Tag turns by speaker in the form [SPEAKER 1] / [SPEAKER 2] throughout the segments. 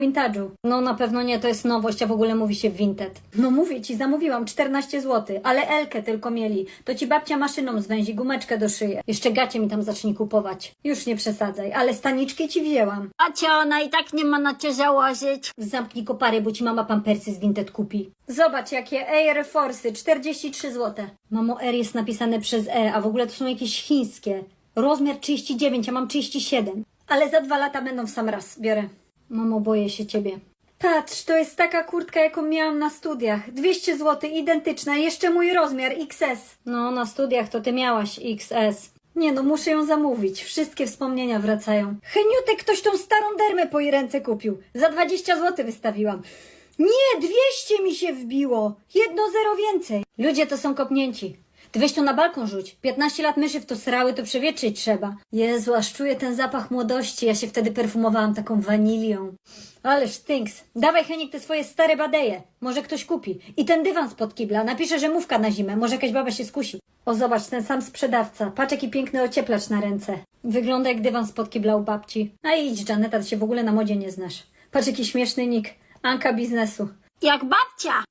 [SPEAKER 1] Vintage'u. No na pewno nie, to jest nowość, a w ogóle mówi się Vinted. No mówię ci, zamówiłam 14 zł, ale Elkę tylko mieli. To ci babcia maszyną zwęzi, gumeczkę do szyję. Jeszcze gacie mi tam zacznij kupować. Już nie przesadzaj, ale staniczki ci wzięłam.
[SPEAKER 2] A cię ona i tak nie ma na cię założyć.
[SPEAKER 1] Zamknij kopary, bo ci mama pampersy z Vinted kupi. Zobacz jakie Air Force'y, 43 zł. Mamo, Air jest napisane przez E, a w ogóle to są jakieś chińskie. Rozmiar 39, a mam 37. Ale za 2 lata będą w sam raz. Biorę. Mamo, boję się ciebie. Patrz, to jest taka kurtka, jaką miałam na studiach. 200 zł, identyczna, jeszcze mój rozmiar XS. No, na studiach to ty miałaś XS. Nie no, muszę ją zamówić. Wszystkie wspomnienia wracają. Heniutek, ktoś tą starą dermę po jej ręce kupił. Za 20 zł wystawiłam. Nie, 200 mi się wbiło. 1 zero więcej. Ludzie to są kopnięci. Ty weź to na balkon rzuć. 15 lat myszy w to srały, to przewietrzyć trzeba. Jezu, aż czuję ten zapach młodości. Ja się wtedy perfumowałam taką wanilią. Ależ stinks. Dawaj, Heniek, te swoje stare badeje. Może ktoś kupi. I ten dywan spod kibla. Napiszę, że mówka na zimę. Może jakaś baba się skusi. O, zobacz, ten sam sprzedawca. Patrz, jaki piękny ocieplacz na ręce. Wygląda jak dywan spod kibla u babci. A idź, Janeta, ty się w ogóle na modzie nie znasz. Patrz, jaki śmieszny nick. Anka biznesu.
[SPEAKER 2] Jak babcia.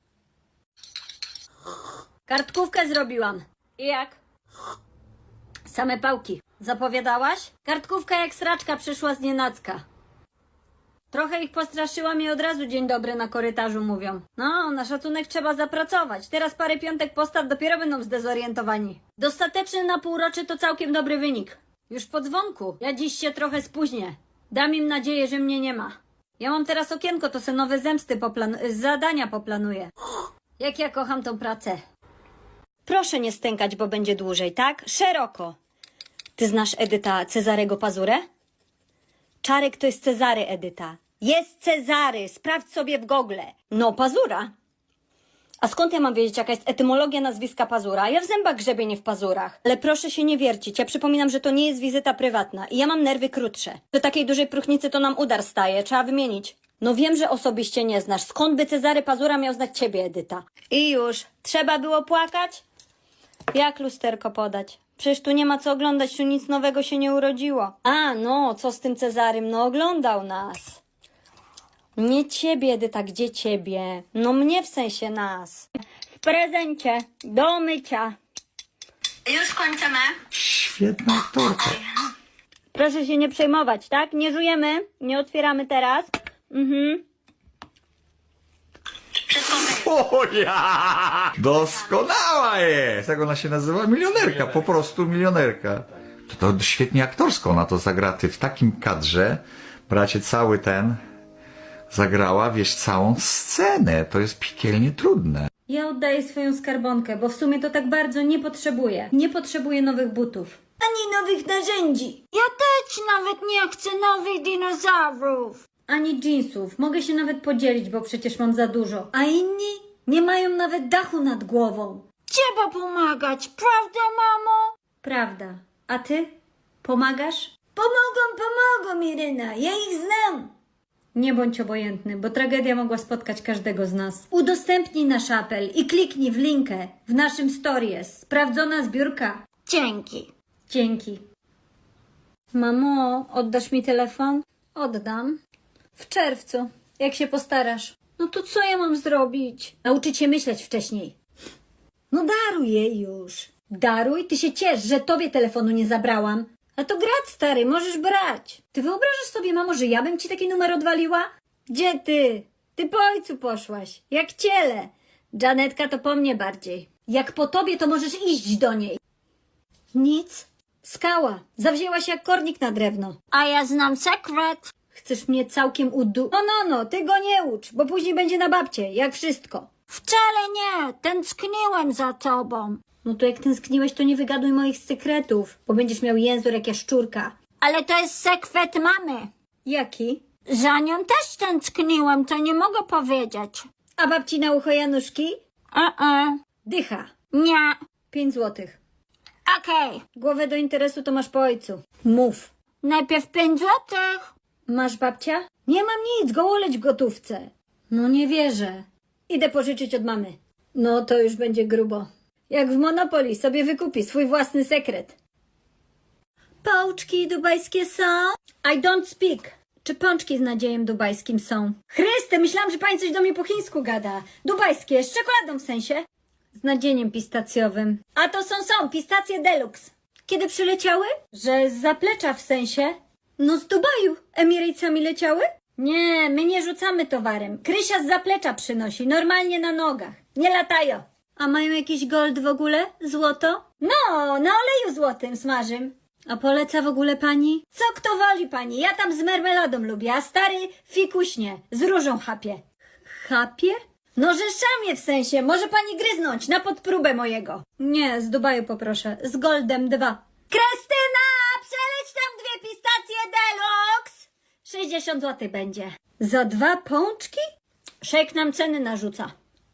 [SPEAKER 1] Kartkówkę zrobiłam. I jak? Same pałki. Zapowiadałaś? Kartkówka jak sraczka przyszła z nienacka. Trochę ich postraszyłam i od razu dzień dobry na korytarzu mówią. No, na szacunek trzeba zapracować. Teraz parę piątek postaw, dopiero będą zdezorientowani. Dostateczny na półroczy to całkiem dobry wynik. Już po dzwonku. Ja dziś się trochę spóźnię. Dam im nadzieję, że mnie nie ma. Ja mam teraz okienko, to se nowe zemsty zadania poplanuję. Jak ja kocham tą pracę. Proszę nie stękać, bo będzie dłużej, tak? Szeroko. Ty znasz Edyta Cezarego Pazurę? Czarek to jest Cezary, Edyta. Jest Cezary, sprawdź sobie w Google. No, Pazura. A skąd ja mam wiedzieć, jaka jest etymologia nazwiska Pazura? Ja w zębach grzebię, nie w pazurach. Ale proszę się nie wiercić, ja przypominam, że to nie jest wizyta prywatna i ja mam nerwy krótsze. Do takiej dużej próchnicy to nam udar staje, trzeba wymienić. No wiem, że osobiście nie znasz. Skąd by Cezary Pazura miał znać ciebie, Edyta? I już. Trzeba było płakać? Jak lusterko podać? Przecież tu nie ma co oglądać, tu nic nowego się nie urodziło. A, no, co z tym Cezarym? No, oglądał nas. Nie ciebie, Edyta, gdzie ciebie? No mnie w sensie nas. W prezencie, do mycia.
[SPEAKER 2] Już kończymy.
[SPEAKER 3] Świetna aktorka.
[SPEAKER 1] Proszę się nie przejmować, tak? Nie żujemy, nie otwieramy teraz.
[SPEAKER 3] O ja! Doskonała jest! Jak ona się nazywa? Milionerka, po prostu milionerka. To świetnie aktorsko ona to zagra. Ty w takim kadrze, bracie, cały ten zagrała, wiesz, całą scenę. To jest piekielnie trudne.
[SPEAKER 1] Ja oddaję swoją skarbonkę, bo w sumie to tak bardzo nie potrzebuję. Nie potrzebuję nowych butów.
[SPEAKER 2] Ani nowych narzędzi. Ja też nawet nie chcę nowych dinozaurów.
[SPEAKER 1] Ani jeansów. Mogę się nawet podzielić, bo przecież mam za dużo. A inni nie mają nawet dachu nad głową.
[SPEAKER 2] Trzeba pomagać, prawda, mamo?
[SPEAKER 1] Prawda. A ty? Pomagasz?
[SPEAKER 2] Pomogą, Iryna, ja ich znam.
[SPEAKER 1] Nie bądź obojętny, bo tragedia mogła spotkać każdego z nas. Udostępnij nasz apel i kliknij w linkę w naszym stories. Sprawdzona zbiórka.
[SPEAKER 2] Dzięki.
[SPEAKER 1] Dzięki. Mamo, oddasz mi telefon? Oddam. W czerwcu, jak się postarasz. No to co ja mam zrobić? Nauczyć się myśleć wcześniej. No daruj jej już. Daruj? Ty się ciesz, że tobie telefonu nie zabrałam. A to grać, stary, możesz brać. Ty wyobrażasz sobie, mamo, że ja bym ci taki numer odwaliła? Gdzie ty? Ty po ojcu poszłaś. Jak ciele. Janetka to po mnie bardziej. Jak po tobie, to możesz iść do niej. Nic. Skała. Zawzięła się jak kornik na drewno.
[SPEAKER 2] A ja znam sekret.
[SPEAKER 1] Chcesz mnie całkiem No, ty go nie ucz, bo później będzie na babcie, jak wszystko.
[SPEAKER 2] Wcale nie, tęskniłem za tobą.
[SPEAKER 1] No to jak tęskniłeś, to nie wygaduj moich sekretów, bo będziesz miał język jak jaszczurka.
[SPEAKER 2] Ale to jest sekret mamy.
[SPEAKER 1] Jaki?
[SPEAKER 2] Za nią też tęskniłem, to nie mogę powiedzieć.
[SPEAKER 1] A babci na ucho Januszki? Dycha.
[SPEAKER 2] Nie.
[SPEAKER 1] 5 złotych.
[SPEAKER 2] Okej.
[SPEAKER 1] Głowę do interesu to masz po ojcu. Mów.
[SPEAKER 2] Najpierw 5 złotych.
[SPEAKER 1] Masz babcia? Nie mam nic, gołoleć w gotówce. No nie wierzę. Idę pożyczyć od mamy. No to już będzie grubo. Jak w Monopoly sobie wykupi swój własny sekret. Pałczki dubajskie są? I don't speak. Czy pączki z nadziejem dubajskim są? Chryste, myślałam, że pani coś do mnie po chińsku gada. Dubajskie, z czekoladą w sensie? Z nadzieniem pistacjowym. A to są pistacje deluxe. Kiedy przyleciały? Że z zaplecza w sensie? No z Dubaju. Emiratesami leciały? Nie, my nie rzucamy towarem. Krysia z zaplecza przynosi, normalnie na nogach. Nie latają. A mają jakiś gold w ogóle? Złoto? No, na oleju złotym smażym. A poleca w ogóle pani? Co kto woli pani? Ja tam z marmeladą lubię, a stary fikuśnie, z różą chapie. Chapie? No że szamie w sensie, może pani gryznąć na podpróbę mojego. Nie, z Dubaju poproszę, z goldem 2. Krystyna, przeleć tam 2 pistacje deluxe. 60 zł będzie. Za 2 pączki? Szejk nam ceny narzuca.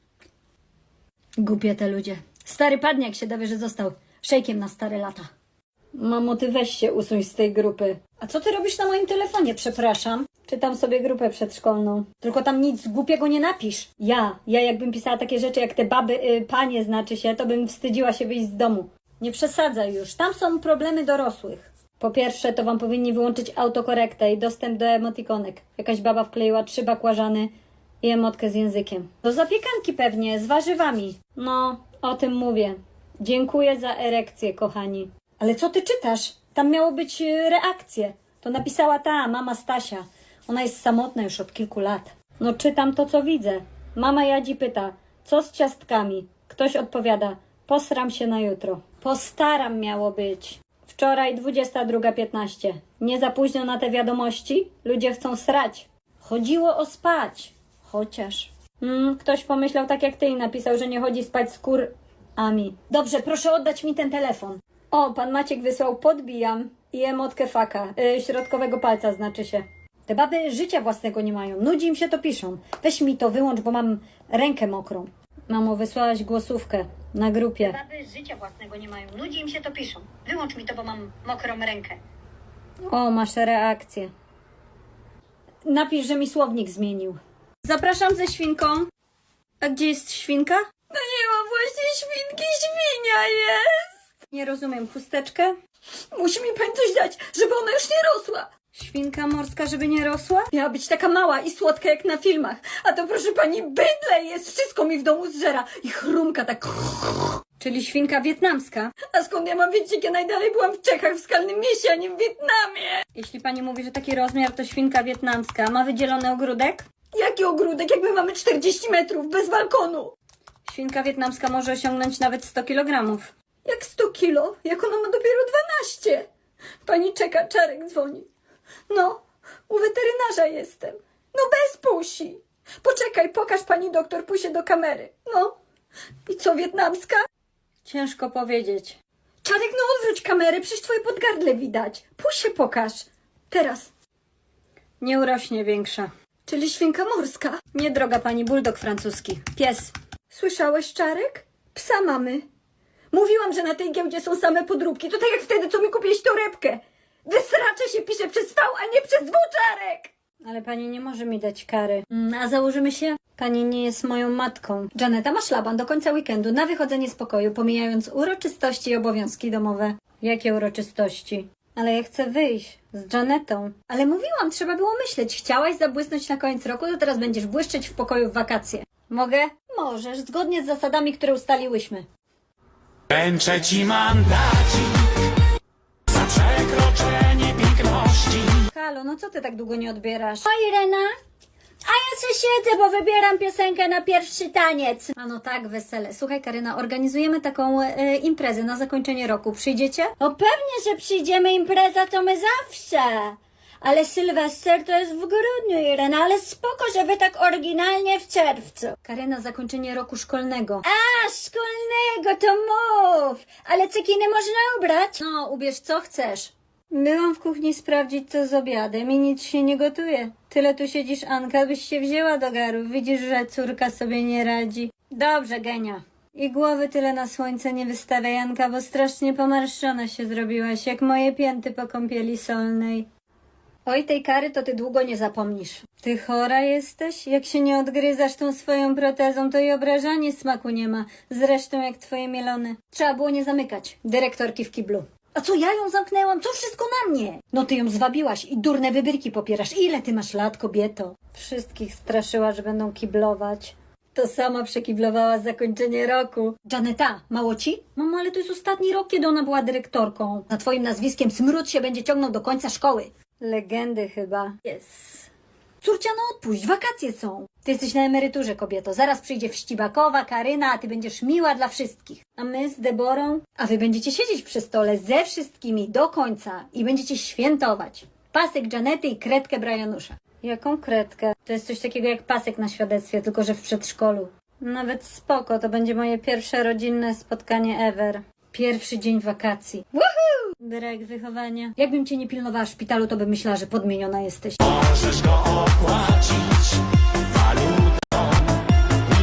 [SPEAKER 1] Głupie te ludzie. Stary padnie, jak się dowie, że został szejkiem na stare lata. Mamo, ty weź się usuń z tej grupy. A co ty robisz na moim telefonie, przepraszam? Czytam sobie grupę przedszkolną. Tylko tam nic głupiego nie napisz. Ja jakbym pisała takie rzeczy jak te baby, panie znaczy się, to bym wstydziła się wyjść z domu. Nie przesadzaj już. Tam są problemy dorosłych. Po pierwsze, to wam powinni wyłączyć autokorektę i dostęp do emotikonek. Jakaś baba wkleiła 3 bakłażany i emotkę z językiem. Do zapiekanki pewnie, z warzywami. No, o tym mówię. Dziękuję za erekcję, kochani. Ale co ty czytasz? Tam miało być reakcje. To napisała ta mama Stasia. Ona jest samotna już od kilku lat. No czytam to, co widzę. Mama Jadzi pyta, co z ciastkami? Ktoś odpowiada, posram się na jutro. Postaram miało być. Wczoraj 22:15. Nie za późno na te wiadomości? Ludzie chcą srać. Chodziło o spać. Chociaż. Ktoś pomyślał tak jak ty i napisał, że nie chodzi spać z kurami. Dobrze, proszę oddać mi ten telefon. O, pan Maciek wysłał podbijam i emotkę faka. Środkowego palca znaczy się. Te baby życia własnego nie mają. Nudzi im się, to piszą. Weź mi to wyłącz, bo mam rękę mokrą. Mamo, wysłałaś głosówkę na grupie. Te baby życia własnego nie mają. Nudzi im się, to piszą. Wyłącz mi to, bo mam mokrą rękę. O, masz reakcję. Napisz, że mi słownik zmienił. Zapraszam ze świnką. A gdzie jest świnka? No nie ma właśnie świnki, świnia jest. Nie rozumiem, chusteczkę? Musi mi pani coś dać, żeby ona już nie rosła. Świnka morska, żeby nie rosła? Miała być taka mała i słodka jak na filmach. A to proszę pani bydle jest, wszystko mi w domu zżera. I chrumka tak. Czyli świnka wietnamska. A skąd ja mam wiedzieć, jak ja najdalej byłam w Czechach, w Skalnym Mieście, a nie w Wietnamie? Jeśli pani mówi, że taki rozmiar to świnka wietnamska. Ma wydzielony ogródek? Jaki ogródek, jak my mamy 40 metrów, bez balkonu? Świnka wietnamska może osiągnąć nawet 100 kilogramów. Jak 100 kilo? Jak ona ma dopiero 12? Pani czeka, Czarek dzwoni. No, u weterynarza jestem. No bez Pusi. Poczekaj, pokaż pani doktor Pusie do kamery. No. I co, wietnamska? Ciężko powiedzieć. Czarek, no odwróć kamerę, przecież twoje podgardle widać. Pusie pokaż. Teraz. Nie urośnie większa. Czyli świnka morska? Nie, droga pani, buldog francuski. Pies. Słyszałeś, Czarek? Psa mamy. Mówiłam, że na tej giełdzie są same podróbki. To tak jak wtedy, co mi kupiłeś torebkę. Wysracze się pisze przez V, a nie przez W, Czarek! Ale pani nie może mi dać kary. A założymy się? Pani nie jest moją matką. Janeta ma szlaban do końca weekendu na wychodzenie z pokoju, pomijając uroczystości i obowiązki domowe. Jakie uroczystości? Ale ja chcę wyjść z Janetą. Ale mówiłam, trzeba było myśleć. Chciałaś zabłysnąć na koniec roku, to teraz będziesz błyszczeć w pokoju w wakacje. Mogę? Możesz, zgodnie z zasadami, które ustaliłyśmy.
[SPEAKER 4] Ręczę ci mandacik za przekroczenie piękności.
[SPEAKER 1] Halo, no co ty tak długo nie odbierasz?
[SPEAKER 2] O, Irena, a ja se siedzę, bo wybieram piosenkę na pierwszy taniec.
[SPEAKER 1] A no tak, wesele. Słuchaj, Karyna, organizujemy taką imprezę na zakończenie roku. Przyjdziecie?
[SPEAKER 2] O, pewnie, że przyjdziemy, impreza to my zawsze. Ale Sylwester to jest w grudniu, Irena, ale spoko, że wy tak oryginalnie w czerwcu.
[SPEAKER 1] Karyna, zakończenie roku szkolnego.
[SPEAKER 2] A, szkolnego, to mów. Ale cekiny można ubrać?
[SPEAKER 1] No, ubierz co chcesz. Byłam w kuchni sprawdzić, co z obiadem i nic się nie gotuje. Tyle tu siedzisz, Anka, byś się wzięła do garu. Widzisz, że córka sobie nie radzi. Dobrze, Genia. I głowy tyle na słońce nie wystawiaj, Anka, bo strasznie pomarszczona się zrobiłaś, jak moje pięty po kąpieli solnej. Oj, tej kary to ty długo nie zapomnisz. Ty chora jesteś? Jak się nie odgryzasz tą swoją protezą, to i obrażanie smaku nie ma. Zresztą jak twoje mielone. Trzeba było nie zamykać dyrektorki w kiblu. A co, ja ją zamknęłam? Co wszystko na mnie? No ty ją zwabiłaś i durne wybryki popierasz. Ile ty masz lat, kobieto? Wszystkich straszyła, że będą kiblować. To sama przekiblowała zakończenie roku. Janeta, mało ci? Mamo, ale to jest ostatni rok, kiedy ona była dyrektorką. Za twoim nazwiskiem smród się będzie ciągnął do końca szkoły. Legendy chyba. Yes. Córcia, no odpuść, wakacje są. Ty jesteś na emeryturze, kobieto. Zaraz przyjdzie Wścibakowa, Karyna, a ty będziesz miła dla wszystkich. A my z Deborą? A wy będziecie siedzieć przy stole ze wszystkimi do końca i będziecie świętować. Pasek Janety i kredkę Brianusza. Jaką kredkę? To jest coś takiego jak pasek na świadectwie, tylko że w przedszkolu. Nawet spoko, to będzie moje pierwsze rodzinne spotkanie ever. Pierwszy dzień wakacji. Woohoo! Brak wychowania. Jakbym cię nie pilnowała w szpitalu, to bym myślała, że podmieniona jesteś.
[SPEAKER 4] Możesz go opłacić